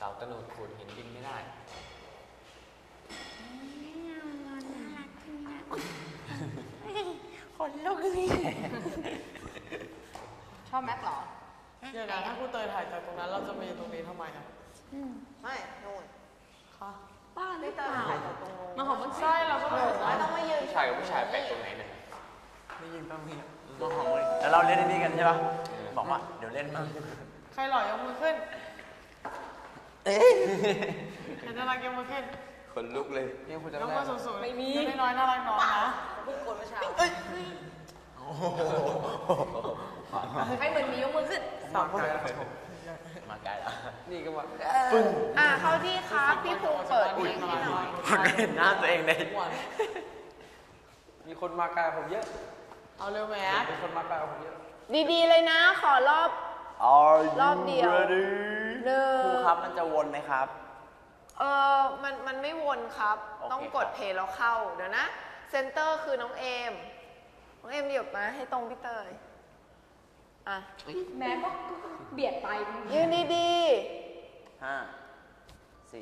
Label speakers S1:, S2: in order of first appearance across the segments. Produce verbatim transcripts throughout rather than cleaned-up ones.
S1: าตะหนุดขูดหินบินไม่ได้
S2: คนลุกเลย
S3: ชอบแม็กหรอ
S2: เดี๋ยวนะถ้าครูเตยถ่ายจากตรงนั้นเราจะมาอยู่ตรงนี้ทำไมอ่ะ
S3: ไม่นู่น
S2: ค่ะ
S3: บ้านไม่ตายถ่ายจากตรงนู้น
S2: มาหอมมันใช่เราก็ไม่
S3: ต้องมายืน
S1: ผู้ชายกับผู้ชายแปลกตรงไหนเนี่ย
S4: ไม่ยิงต้องมีมาหอมเลยแล้วเราเล่นนี่กันใช่ปะบอกว่าเดี๋ยวเล่นมั่ง
S2: ใครหล่อยกมือขึ้นเอ๊ะใครน่ารักยกมือขึ้น
S1: คนลุกเลย
S2: ยกมือสูงๆไม่มีไม่น้อยน่ารักน้อยนะ
S3: พูดโกนเมื่อเช้าให้เหมือนมียกมือขึ้น
S2: สามคน
S4: มาไกลแล้ว
S1: นี่ก็ว่า
S3: ปึ้งอ่ะเข้าที่ครับพี่ภูมิเปิดเพลงให้หน่อย
S4: เห็นหน้าตัวเองเลย
S1: มีคนมาไกลผมเยอะ
S2: เอาเร็วแม็ก
S1: มีคนมาไกลผมเยอะ
S3: ดีๆเลยนะขอรอบรอบเดียวหนึ่ง
S4: ครูครับมันจะวนไหมครับ
S3: เออมันมันไม่วนครับต้องกดเพลย์แล้วเข้าเดี๋ยวนะเซนเตอร์คือน้องเอมน้องเอมหยุดมาให้ตรงพี่เตยอ่ะ
S5: แม่ก็เบียดไป
S3: ยืนดี
S4: ๆห้าสี่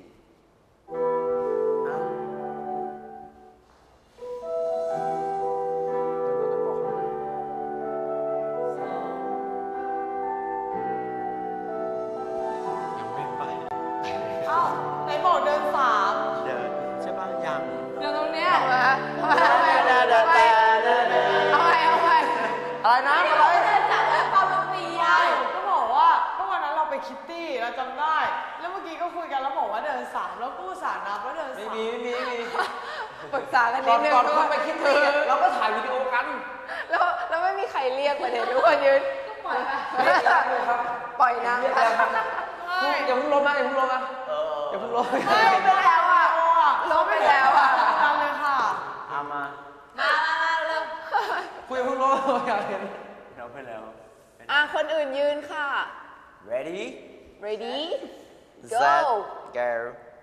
S2: ไหนบอกเดินสาม
S4: เดินใช่ป่ะยัง
S2: เดินตรงเนี้ย
S3: เอามาเอาไปเอาไปเอาไปเอาไป
S4: อะไรนะอะไร
S2: เดินจากแล้วตอนมันตีอ่ะก็บอกว่าเมื่อวันนั้นเราไปคิตตี้เราจำได้แล้วเมื่อกี้ก็คุยกันแล้วบอกว่าเดินสามแล้วกู้สารนับว่าเดินสาม
S1: ไม่มีไม่มีไม่มี
S3: ปรึกษากันนิดนึง
S1: ก่อนคุณไปคิตตี้เราก็ถ่ายวิดีโอกัน
S3: แล้วแล้วไม่มีใครเรียกประเด็นทุกคนยืน
S5: ปล่อย
S1: ครับ
S3: ปล่อยนะ
S1: อย่าเพิ่งลงนะอย่าเพิ่งลงนะอย่าเพิ่งลง
S3: ไม่ไปแล้วอ่ะลบไปแล้วอ่ะ
S2: กันเลยค่ะ
S4: เอามา
S3: มามาเริ่ม
S1: คุยเพิ่งลงอยากเห็น
S4: เราไปแล้ว
S3: อ่ะคนอื่นยืนค่ะ
S4: ready
S3: ready
S4: go go